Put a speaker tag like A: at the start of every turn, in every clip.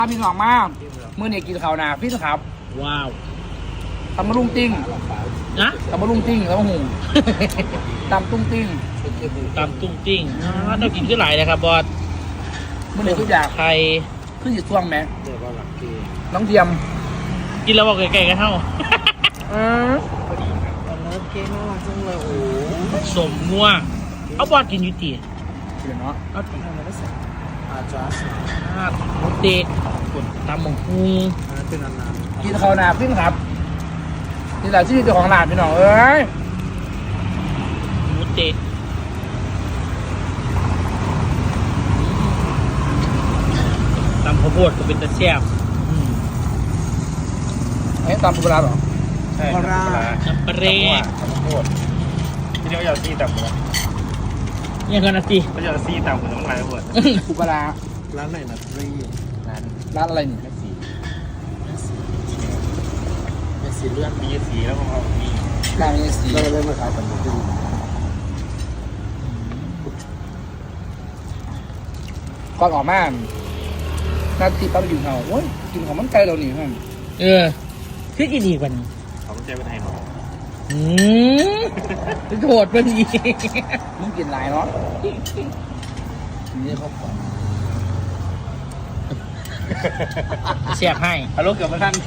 A: พี่น้องมากมื่อเนี่ยกินข้าวนาพี่ครับ
B: ว้าว
A: ตำมะลุงติ้ง
B: นะ
A: ตำมะลุงติ้งแล้วก็หูตำตุ้งติ้ง
B: ตำตุ้งติ้งเรากินขึ้นหลายเลยครับบอส
A: มื่อเนี่ยทุกอย่าง
B: ไทย
A: ขึ้นอยู่ช่วงไหมน้องเทียม
B: กินแล้วบอกไก่ๆกันเท่า
A: เ
C: ลิฟเค้กน่ารักจังเลยโอ้
B: สมงัวเอาบอสกินยูตี
A: เดี๋ยวเนาะ
B: เอาตีอะไรก็ใส่
C: อาจารย์
B: หมูเตะกดตำหมูพุง
C: เป็นอันนั้น
A: กินข้าวนาพี่ครับนี่แหละที่เจ้าของร้านพี่น้องเอ้ย
B: หมูเตะตำข้าวโพดก็เป็นตะแซ่บ
A: ไอ้ตำปูปลาหรอ
C: ใช่ปลา
B: น้ำปลาเร่
A: ข้าวโพด
C: ที่เดียวอยากซีตำเลย
B: เนี่ยกันนะสิ
C: ก็อยากซีตำเหมือนน้องลายปวด
A: ปูปลา
C: ร้านไหนนะรี
A: ร้านอะไรนี่
C: แม่สีเลือดมีสีแล้วของเขามี
A: ร้านนี้สี
C: เราเลยมาขายตำหนิดู
A: ก่อนออกมาหน้าที่ปั๊บอยู่เขาโอ้ยกินของมันไกลเราหนิฮะ
B: คือกินอีกวัน
C: เขาต้องใจเป็นไทยหนอ
B: โหดมันอีก
A: มึงกินหลายเนาะนี่เขาขอ
B: เสียบให้
A: ฮัลโหลเกือบมาทัน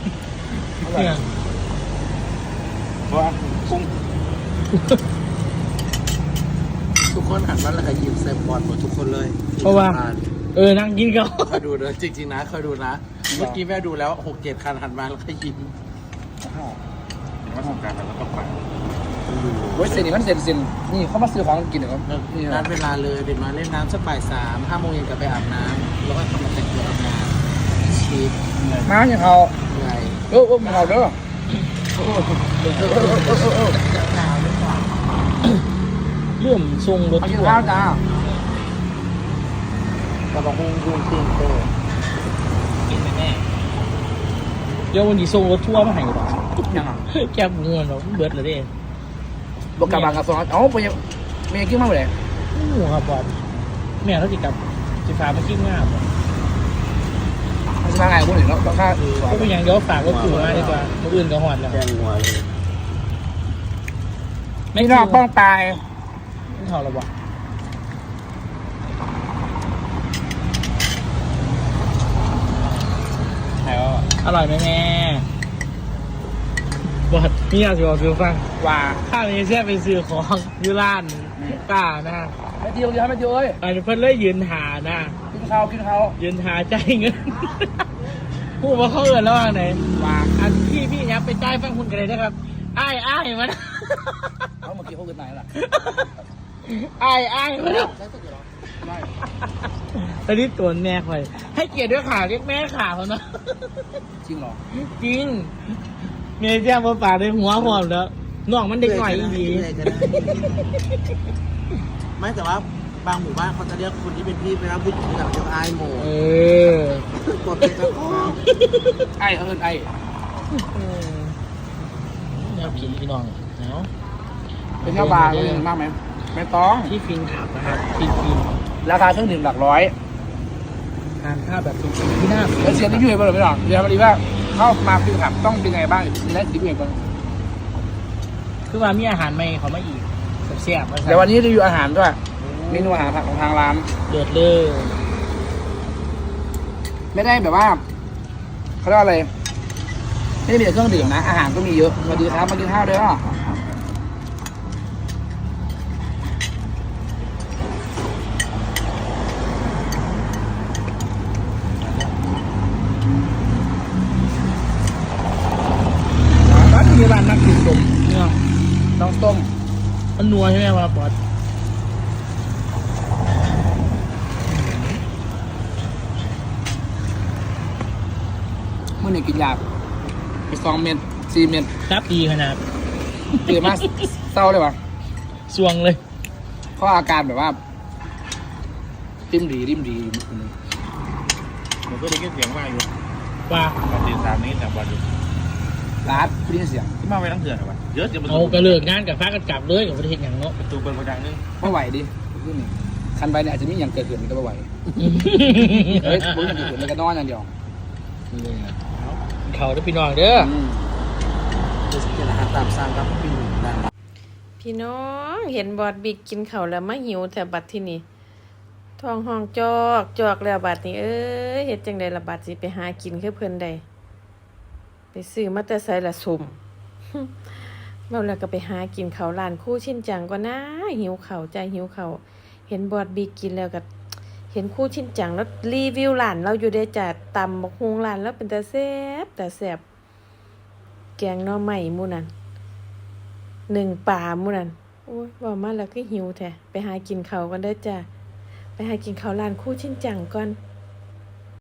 A: ว่าคุ้ง
C: ทุกคนหันมาแล้วก็ยิ้มใส่บอลหมดทุกคนเลย
B: เพราะว่านั่งกินเขา
C: เคยดูเลยจริงๆนะเคยดูนะเมื่อกี้แม่ดูแล้ว6-7 คันหันมาแล้วก็ยิ้มว่าสงการเราต้องไป
A: เว้ยเซนนี่มันเซนนี่เขามาซื้อของกินเหรอ
C: นัดเวลาเลยเด็กมาเล่นน้ำสักบ่าย 3 5 โมงเย็นกลับไปอาบน้ำแล้วก็ทำมาแต่งตัวอาบน้ำชีส
A: มาอย่างเขา
C: ไง
A: มาเขาเด้อ
B: เรื่องทรงรถ
A: ทัวร์จ้า
C: เราบอกหุ้งตีนโต
B: กินแน่เดี๋ยววันนี้ทรงรถทั่วมาให้หรอ
A: ยังอ่ะ
B: แคบงวนหรอเบิร์ดเลยดิ
A: บอกกับบางกับสองอ๋อไปยังไม่ยังกิ้งมากเลย
B: หัวครับบอลแม่เขาจิกับจิฟ้ามากิ้งง่ายบ่
A: มันจะมาไงพวกนี้เนาะค่า
B: ก็เป็นอย่างเดียวฝากก็คือมาดีกว่าคนอื่นก็หอดแล้ว
C: แกงหัวเลย
A: ไม่นอกป้องตาย
B: ไม่ถอดหรอวะอร่อยไหมแม่บอดนี่อยากจะบอกซื้อฟังว่าข้าวนี้แช่ไปซื้อของยูร้านกล้านะ
A: ไม่เดียวเดียวไม่เดียวเอ้ย
B: เพิ่นเลยยืนหานะ
A: กินข้าว
B: ยืนหาใจเงินพูดว่าเขาเอินแล้วว่าไหนว่าอันพี่ยับไปใจฟังคุณกันเลยนะครับอ้ายมัน
A: เขาเมื่อกี้เขาเกิดไหนล่ะ
B: อ้ายมันตอนนี้ตัวแม่คอยให้เกียรติด้วยขาเรียกแม่ขาเขาเนาะ
A: จริงหรอ
B: จริงเมียแจ้งมาป่าได้หัวหอมแล้วน้องมันเด็กหน่อยดี
C: ไม่แต่ว่าบางหมู่บ้านเขาจะเรียกคนที่เป็นพี่เป็นผู้หญิงแบบเรียกไอ้โมกดเป็นเจ้าของ
A: ไอ้เขาเป็นไอ้
B: แนวผีพี่น้องเนาะ
A: เป็นเจ้าบาร์เลยมากไหมไม่ต้อง
B: ที่ฟินขับนะครับฟิน
A: ราคาเครื่องดื่มหลักร้อย
B: ทานข้าวแบบฟินที่น่า
A: แล้วเสียงที่อยู่ในบ้านไม่หรอกเดี๋ยวมาดีว่าเข้ามาฟินขับต้องเป็นไงบ้างและสิ่งที่เป็น
B: คือว่ามีอาหารใหม่เขามาอีกแซ่บ
A: ๆเดี๋ยววันนี้รีวิวอาหารด้วยเมนูอาหารของทางร้าน
B: เดือดเลย
A: ไม่ได้แบบว่าเขาเรียกว่าอะไรไม่ได้มีแต่เครื่องดื่มนะอาหารก็มีเยอะมาดีครับมากินข้าวด้วยอ่ะมีร้านนักกินสมเนี่ยน้องต้ม
B: มันนัวใช่ไหมวะบอส
A: เมื่อไหร่กินยาไป2 เม็ด4 เม็ด
B: ครับดีขนาด
A: เกิดมาเศร้าเลยวะ
B: สวงเลย
A: เพราะอาการแบบว่าริมดี
C: มันก็ได้ยินเสียงว่าอยู่
B: ว่า
C: ตอนตี 3นี้แต่วันอยู่
A: ร้านได้ยินเสียง
C: ที่มาไปทั้งเถื่อนเหรอวะเยอะจน
B: เอากระเลิกงานกับฟ้ากันกลับเลยกับประเทศอย่างเนาะ
C: ประตูเปิดประจังนึง
A: ไม่ไหวดิคันไปเนี่ยอาจจะมีอย่างเกิดขึ้นก็ไม่ไหวเฮ้ยบุ้งอย่างอื่นมันก็นอนอย่างเดียว
B: เอาเขาเด้อพี่น้องเด้อ
C: จะกินอาหารตามสั่งครับพี่หนุ่มได้
D: พี่น้องเห็นบอดบิ๊กกินข้าวแล้วมาหิวแต่บัดที่นี่ท้องห้องจอกจอกแล้วบัดนี้เอ้ยเฮ็ดจังได๋ล่ะบัดสิไปหากินคือเพิ่นได้ไปซื้อมาแต่ไสละสุ่ม เว้าแล้วก็ไปหากินข้าวร้านคู่ชินจังก็นะหิวข้าวใจหิวข้าวเห็นบอดบิ๊กกินแล้วก็เห็นคู่ชินจังแล้วรีวิวร้านเราอยู่ได้จ้ะตำบักฮุงร้านแล้วเป็นตาแซ่บตาแซ่บแกงหน่อไม้หมู่นั้น1ป่าหมู่นั้นโอ้ยเว้ามาแล้วก็หิวแท้ไปหากินข้าวกันเด้อจ้ะไปหากินข้าวร้านคู่ชินจังก่อน